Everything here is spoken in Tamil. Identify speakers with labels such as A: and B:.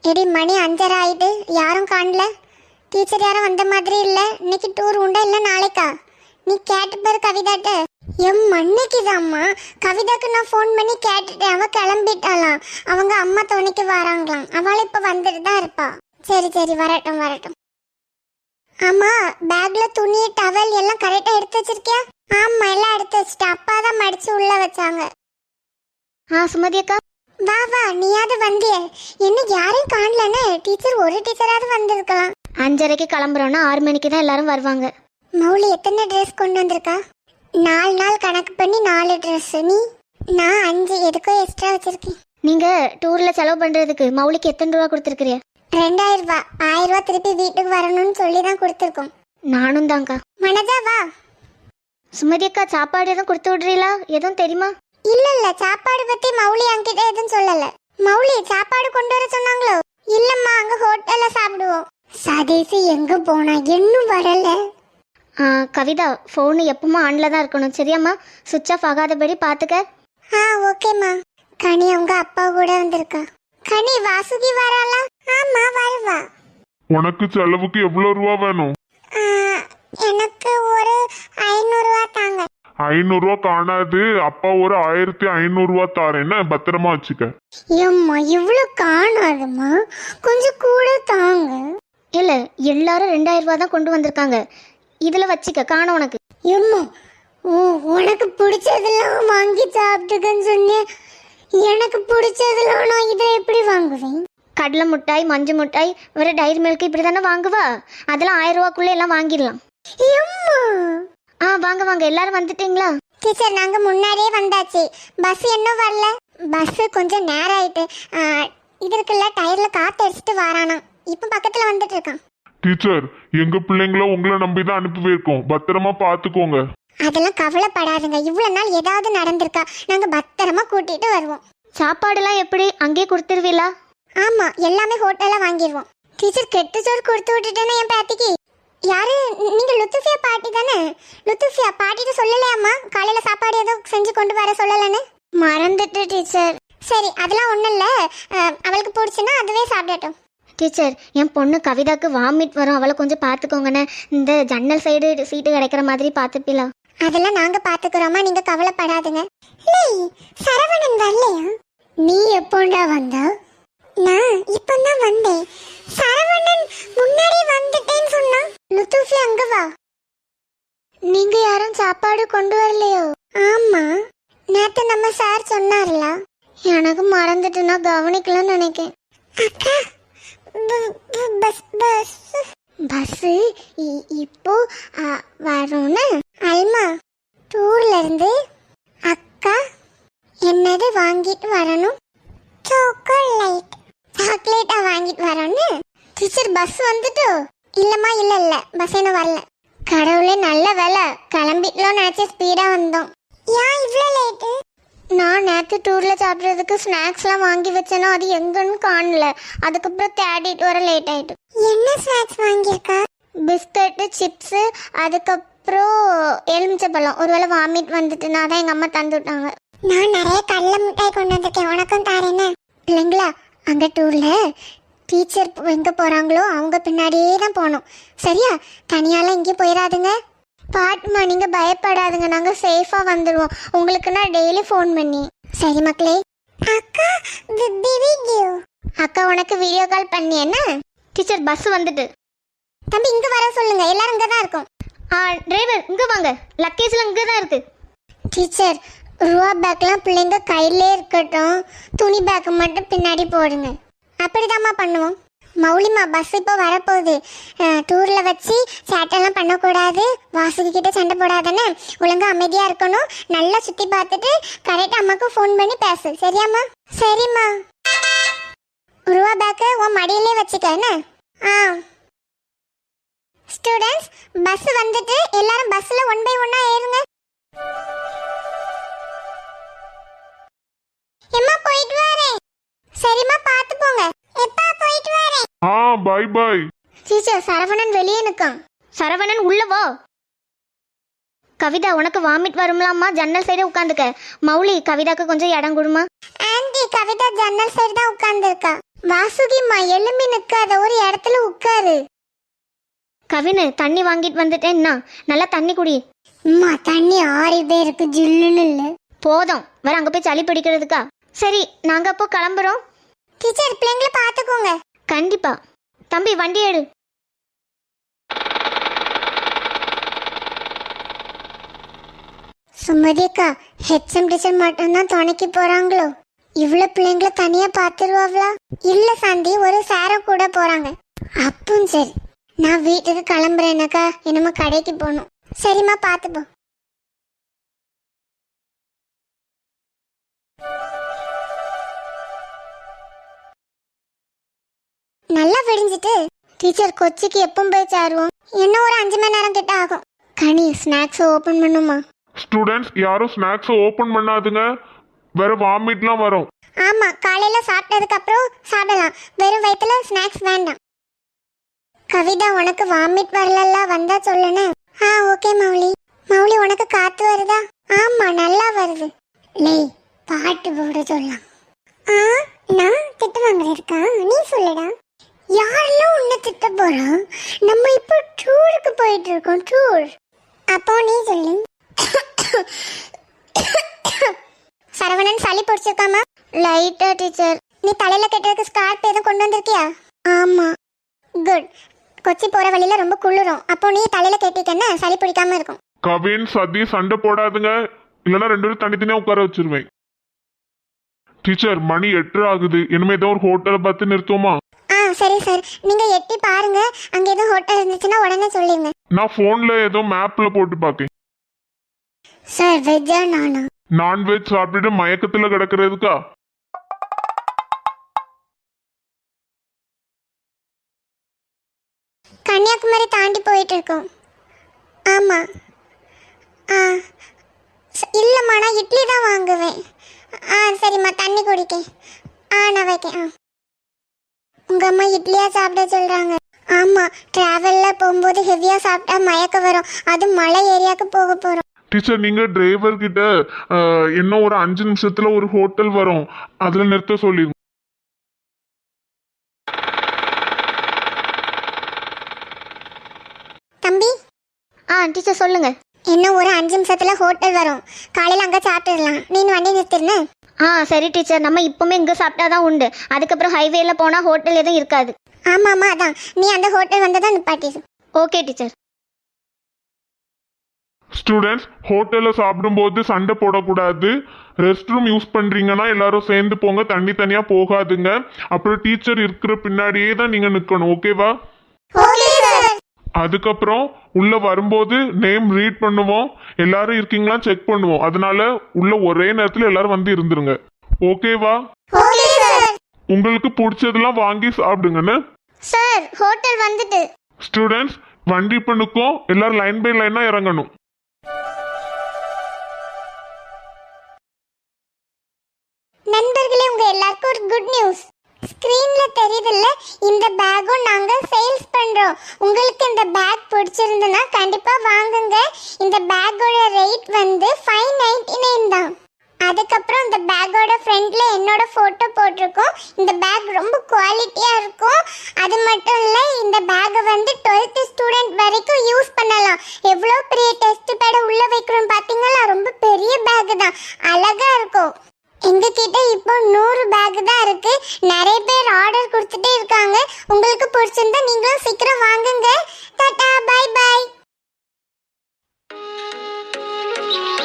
A: எடி மணி 5:30 ஆயிட்டு, யாரும் காணல. டீச்சர் யாரும் வந்த மாதிரி இல்ல. இன்னைக்கு டூர் உண்டா இல்ல நாளைக்கா? நீ கேட்டு பாரு கவிதாட்ட. அன்னைக்குதாம்மா கவிதாக்கு நான் ஃபோன் பண்ணி கேட்டுட்டேன். அவ கிளம்பிட்டாளாம். அவங்க அம்மா துணைக்கு வராங்களாம். அவளை இப்ப வந்துட்டு தான் இருப்பா. சரி சரி, வரட்டும் வரட்டும். ஆமா, பேக்ல துணி டவல் எல்லாம் கரெக்டா எடுத்து வச்சிருக்கியா? ஆமா, எல்லாம் எடுத்து வச்சுட்டேன். அப்பா தான் மடிச்சு உள்ள வச்சாங்க. சுமதி அக்கா, வா வா, நீயாவது வந்தியே. என்ன யாரையும் காணலன்னு? டீச்சர் ஒரு டீச்சராவது வந்திருக்கலாம்.
B: 5:30க்கு கிளம்புறோன்னா 6 மணிக்கு தான் எல்லாரும் வருவாங்க.
A: மௌலி எத்தனை ட்ரெஸ் கொண்டு வந்திருக்கா? 4 நாள் கணக்கு பண்ணி 4 ட்ரெஸ். நீ? நான் 5. எதுக்கோ எக்ஸ்ட்ரா வச்சிருக்கேன்.
B: நீங்க டூர்ல செலவு பண்றதுக்கு மௌலிக்கு எத்தனை ரூபா கொடுத்துருக்கிறியா?
A: 2000 ரூபா. 1000 ரூபா திருப்பி வீட்டுக்கு வரணும்னு சொல்லி தான் கொடுத்துருக்கோம்.
B: நானும் தாங்க்கா.
A: மனதா வா.
B: சுமதி அக்கா, சாப்பாடு எதுவும் கொடுத்து விடுறீங்களா? எதுவும் தெரியுமா?
A: இல்ல, சாப்பாடு பத்தி மௌலி என்கிட்ட எதுவும் சொல்லல. மௌலி சாப்பாடு கொண்டு வர சொன்னாங்களோ? இல்லம்மா, அங்க ஹோட்டல்ல சாப்பிடுவோம். சதீஷ் எங்க போனா? இன்னும் வரல.
B: கவிதா, ஃபோனு எப்பவுமே ஆன்ல தான் இருக்கணும், சரியாம்மா? சுவிட்ச் ஆஃப் ஆகாதபடி பாத்துக்க.
A: ஓகேம்மா. கனி அவங்க அப்பா கூட வந்திருக்கா. கனி, வாசுகி வராளா? ஆமா, வருவா.
C: உனக்கு செலவுக்கு எவ்வளவு ரூபா வேணும்?
A: எனக்கு ஒரு 500 ரூபா தாங்க.
C: 500 ரூபா காணாது. அப்பா ஒரு 1500 ரூபா தாரேன்னு பத்திரமா வச்சுக்க.
A: ஏம்மா, இவ்வளவு காணாதுமா, கொஞ்சம் கூட தாங்க.
B: இல்ல, எல்லாரும் 2000 ரூபா தான் கொண்டு வந்திருக்காங்க. இதுல வச்சுக்க, காண உனக்கு.
A: ஏம்மா, உனக்கு பிடிச்சதெல்லாம் வாங்கி சாப்பிட்டுக்கன்னு சொன்னேன். எனக்கு பிடிச்சதெல்லாம் நான் இதை எப்படி வாங்குவேன்?
B: கடலை மிட்டாய், மஞ்சு மிட்டாய், வேற டைரி மில்க் இப்படி தானே வாங்குவா. அதெல்லாம் 1000 ரூபாக்குள்ள எல்லாம் வாங்கிடலாம். வாங்க வாங்க, எல்லாரும் வந்துட்டீங்களா?
A: டீச்சர், நாங்க முன்னாடியே வந்தாச்சு. பஸ் இன்னும் வரல. பஸ் கொஞ்சம் நேரம் ஆயிட்டு. இது இருக்குல்ல, டயர்ல காத்து அடிச்சுட்டு வரானா. இப்ப பக்கத்துல வந்துட்டு இருக்கான்.
C: டீச்சர், எங்க பிள்ளைங்கள உங்களை நம்பிதான் அனுப்பி வைக்கோம். பத்திரமா பாத்துக்கோங்க.
A: அதெல்லாம் கவலைப்படாதுங்க. இவ்வளவு நாள் ஏதாவது நடந்திருக்கா? நாங்க பத்திரமா கூட்டிட்டு வருவோம்.
B: சாப்பாடுலாம் எப்படி அங்கேயே கொடுத்துருவீங்களா?
A: ஆமா, எல்லாமே ஹோட்டல்ல வாங்கிடுவோம். டீச்சர், கெட்டு சோறு கொடுத்து விட்டுட்டேன்னு என் பாட்டிக்கு. யாரு நீங்க? லுத்துஃபியா பாட்டி தானே? லுத்துஃபியா பாட்டிட்டு சொல்லலையாம்மா காலையில சாப்பாடு ஏதோ செஞ்சு கொண்டு வர சொல்லலன்னு? மறந்துட்டு டீச்சர். சரி, அதெல்லாம் ஒண்ணும் இல்ல. அவளுக்கு பிடிச்சுன்னா அதுவே சாப்பிடட்டும்.
B: டீச்சர், என் பொண்ணு கவிதாக்கு வாமிட் வரும், அவளை கொஞ்சம் பார்த்துக்கோங்கண்ணே. இந்த ஜன்னல் சைடு சீட்டு கிடைக்கிற மாதிரி பார்த்துப்பீங்களா?
A: அதெல்லாம் நாங்க பாத்துக்கிறோமா, நீங்க கவலைப்படாதுங்க. சரவணன் வரலையா? நீ எப்போண்டா வந்தா? நான் இப்பதான் வந்தேன். சரவணன் முன்னாடி வந்துட்டேன்னு சொன்னா. லுத்துஃபி, அங்க வா. நீங்க யாரும் சாப்பாடு கொண்டு வரலையோ? ஆமா, நேத்து நம்ம சார் சொன்னார்ல. எனக்கு மறந்துட்டு நான் கவனிக்கலன்னு நினைக்கேன். அக்கா, பஸ் இப்போ வரும்னு. அல்மா, டூர்ல இருந்து அக்கா என்னது வாங்கிட்டு வரணும்? சாக்லேட்டா வாங்கிட்டு வரணும்னு. டீச்சர், பஸ் வந்துட்டு? இல்லம்மா, இல்ல பஸ் என்ன வரல. கடவுளே, நல்ல வேலை கிளம்பிட்டோம் நினைச்ச ஸ்பீடா வந்தோம். ஏன் இவ்வளவு லேட்டு? நான் நேற்று டூர்ல சாப்பிட்றதுக்கு ஸ்நாக்ஸ்லாம் வாங்கி வச்சேனோ அது எங்கன்னு காணல. அதுக்கப்புறம் தேடிட்டு வர லேட் ஆயிட்டு. என்ன ஸ்நாக்ஸ் வாங்கியிருக்கா? பிஸ்கட்டு, சிப்ஸு, அதுக்கப்புறம் எலுமிச்சப்பழம். ஒருவேளை வாமிட் வந்துட்டுனா தான் எங்க அம்மா தந்து விட்டாங்க. நான் நிறைய கடல மிட்டாய் கொண்டு வந்திருக்கேன், உனக்கும் தாரேன்னு. இல்லைங்களா, அங்க டூர்ல டீச்சர் எங்க போறாங்களோ அவங்க பின்னாடியே தான் போகணும். சரியா? தனியாலாம் எங்கேயும் போயிடாதுங்க. பாட்டுமா, நீங்க பயப்படாதுங்க, நாங்க சேஃபா வந்துடுவோம். உங்களுக்கு நான் டெய்லி ஃபோன் பண்ணி. சரி மக்களே. அக்கா, அக்கா உனக்கு வீடியோ கால் பண்ணி என்ன?
B: டீச்சர், பஸ் வந்துட்டு.
A: தம்பி, இங்க வர சொல்லுங்க, எல்லாரும் இங்க தான் இருக்கும்.
B: டிரைவர் இங்க வாங்க, லக்கேஜ்லாம் இங்க தான் இருக்கு.
A: டீச்சர், ரூபா பேக்லாம் பிள்ளைங்க கையிலே இருக்கட்டும், துணி பேக் மட்டும் பின்னாடி போடுங்க. அப்படிதாம்மா பண்ணுவோம். மௌலிமா, பஸ் இப்போ வரப்போகுது. டூர்ல வச்சு சேட்டெல்லாம் பண்ணக்கூடாது, வாசுகி கிட்ட சண்டை போடாதானே, ஒழுங்கா அமைதியா இருக்கணும். நல்லா சுத்தி பார்த்துட்டு கரெக்டா அம்மாக்கு ஃபோன் பண்ணி பேசு, சரியாம்மா? சரிம்மா. ரூபா பேக்கு உன் மடியிலே வச்சுக்க என்ன? ஸ்டூடெண்ட்ஸ், பஸ் வந்துட்டு எல்லாரும் பஸ்ல 1 by 1 ஏறுங்க. எம்மா, போயிட்டு வரேன். சரிம்மா, பார்த்து போங்க. எப்பா, போயிட்டு வரேன்.
C: By by.
A: டீச்சர், சரவணன் வெளியே நிற்கான்.
B: சரவணன், உள்ள வா. கவிதா, உனக்கு வாமிட் வரும்லாமா, ஜன்னல் சைடு உட்காந்துக்க. மௌலி, கவிதாக்கு கொஞ்சம் இடம் கொடுமா.
A: ஆண்டி, சாந்தி கவிதா ஜன்னல் சைடு தான் உட்கார்ந்துருக்கா. வாசுகிம்மா எழும்பி நிக்காத, ஒரு இடத்துல உட்காரு.
B: கவினு தண்ணி வாங்கிட்டு வந்துட்டேன்னா நல்லா தண்ணி குடி.
A: அம்மா தண்ணி ஆறிட்டே இருக்கு, ஜில்லுன்னு இல்ல.
B: போதும், வர அங்க போய் சளி பிடிக்கிறதுக்கா? சரி, நாங்க அப்போ கிளம்புறோம்.
A: டீச்சர் பிள்ளைங்களை பாத்துக்கோங்க.
B: கண்டிப்பா. தம்பி வண்டி எடு.
A: சுமதி அக்கா, ஹெச்எம் டீச்சர் மட்டும்தான் துணைக்கு போறாங்களோ? இவ்வளவு பிள்ளைங்களை தனியா பாத்துருவாங்களா? இல்ல சாந்தி, ஒரு சாரம் கூட போறாங்க. அப்பவும் சரி, நான் வீட்டுக்கு கிளம்புறேனக்கா. என்னமோ கடைக்கு போகணும். சரிம்மா, பாத்துப்போ. நல்லா விடிஞ்சிட்டு டீச்சர் கொச்சிக்கு எப்பவும் போய் சேருவோம். இன்னும் ஒரு 5 மணி நேரம் கிட்ட ஆகும். கனி, ஸ்நாக்ஸ் ஓபன் பண்ணுமா?
C: ஸ்டூடெண்ட்ஸ் யாரும் ஸ்நாக்ஸ் ஓபன் பண்ணாதுங்க, வேற வாமிட்லாம் வரும்.
A: ஆமா, காலையில சாப்பிட்டதுக்கு அப்புறம் சாப்பிடலாம். வெறும் வயித்துல ஸ்நாக்ஸ் வேண்டாம். கவிதா, உனக்கு வாமிட் வரல, வந்தா சொல்லுன்னு. ஓகே மௌலி. மௌலி, உனக்கு காத்து வருதா? ஆமா, நல்லா வருது. லேய், பாட்டு போட சொல்லலாம். நான் திட்டு வாங்குறேன். நீ சொல்லுடா. யாரெல்லாம் உன்னை திட்ட போறா? நம்ம இப்போ டூருக்கு போயிட்டு இருக்கோம். டூர். அப்போ நீ சொல்லு. சரவணன், சளி பிடிச்சிருக்காமா? லைட்டா டீச்சர். நீ தலையில கட்டுறதுக்கு ஸ்கார்ப் எதுவும் கொண்டு வந்திருக்கியா? ஆமா. குட். கொச்சி போற வழியில ரொம்ப குளிரும். அப்போ நீ தலையில கட்டிட்டேன்னா சளி பிடிக்காம இருக்கும்.
C: கவின், சதி சண்டை போடாதுங்க, இல்லைன்னா 2 பேரும் தனித்தனியா உட்கார வச்சிருவேன். டீச்சர், மணி 8 ஆகுது. இனிமே ஏதோ ஒரு ஹோட்டலை பார்த்து நிறுத்துவோமா?
A: சரி சார், நீங்க எட்டி பாருங்க. அங்க ஏதோ ஹோட்டல் இருந்துச்சுன்னா உடனே சொல்லிருங்க.
C: நான் போன்ல ஏதோ மேப்ல போட்டு பாக்கேன்.
A: சார், வெஜ்ஜா நானா?
C: நான்வெஜ் சாப்பிட்டுட்டு மயக்கத்துல கிடக்கிறதுக்கா?
A: கன்னியாகுமரி தாண்டி போயிட்டு இருக்கோம். ஆமா. இல்லம்மா, நான் இட்லி தான் வாங்குவேன். சரிம்மா, தண்ணி குடிக்க. நான் வைக்கேன். உங்க அம்மா இட்லியா சாப்பிட சொல்றாங்க. ஆமா, டிராவல்ல போகும்போது ஹெவியா சாப்பிட்டா மயக்க வரும். அது மலை ஏரியாவுக்கு போக போறோம்.
C: டீச்சர், நீங்க டிரைவர் கிட்ட இன்னும் ஒரு 5 நிமிஷத்துல ஒரு ஹோட்டல் வரும், அதுல நிறுத்த சொல்லிருங்க.
A: தம்பி.
B: டீச்சர் சொல்லுங்க.
A: இன்னும் ஒரு 5 நிமிஷத்துல ஹோட்டல் வரும். காலையில அங்க சாப்பிட்டுடலாம். நீ வண்டி நிறுத்திருன்னு.
B: சரி டீச்சர், நம்ம இப்பவுமே இங்க சாப்பிட்டாதான் உண்டு. அதுக்கப்புறம் ஹைவேல போனா ஹோட்டல் எதுவும் இருக்காது.
A: ஆமாமா, அதான் நீ அந்த ஹோட்டல் வந்ததான் நிப்பாட்டிடு.
B: Okay teacher.
C: ஸ்டூடெண்ட்ஸ், ஹோட்டல்ல சாப்பிடும்போது சண்டை போடக்கூடாது. ரெஸ்ட் ரூம் யூஸ் பண்றீங்கன்னா எல்லாரும் சேர்ந்து போங்க, தண்ணி தனியா போகாதுங்க. அப்புறம் டீச்சர் இருக்கிற பின்னாடியே தான் நீங்க நிக்கணும், ஓகேவா? அதுக்கப்புறம் உள்ள வரும்போது நேம் ரீட் பண்ணுவோம், எல்லாரும் இருக்கீங்களா செக் பண்ணுவோம். அதனால உள்ள ஒரே நேரத்துல எல்லாரும் வந்து இருந்துருங்க, ஓகேவா? உங்களுக்கு பிடிச்சதெல்லாம் வாங்கி சாப்பிடுங்கன்னு.
A: சார், ஹோட்டல் வந்துட்டு.
C: ஸ்டூடெண்ட்ஸ், வண்டி பண்ணுக்கும், எல்லாரும் லைன் பை லைனா இறங்கணும்.
A: நண்பர்களே, உங்க எல்லாருக்கும் ஒரு குட் நியூஸ். ஸ்கிரீன்ல தெரியுதுல்ல, இந்த பேக்கும் நாங்க சேல்ஸ் பண்றோம். உங்களுக்கு இந்த பேக் பிடிச்சிருந்தனா கண்டிப்பா வாங்குங்க. இந்த பேக்கோட ரேட் வந்து 599 தான். அதுக்கப்புறம் இந்த பேக்கோட ஃப்ரண்ட்ல என்னோட போட்டோ போட்டிருக்கோம். இந்த பேக் ரொம்ப குவாலிட்டியா இருக்கும். அது மட்டும் இல்ல, இந்த பேக்கை வந்து 12th ஸ்டூடெண்ட் வரைக்கும் யூஸ் பண்ணலாம். எவ்வளோ பெரிய டெஸ்ட் பேட உள்ள வைக்கிறோம் பாத்தீங்களா? ரொம்ப பெரிய பேக் தான், அழகா இருக்கும். எங்க கிட்ட இப்போ 100 பேக் தான் இருக்கு. நிறைய பேர் ஆர்டர் கொடுத்துட்டே இருக்காங்க. உங்களுக்கு பிடிச்சிருந்தா நீங்களும் சீக்கிரம் வாங்குங்க. Tata, bye by.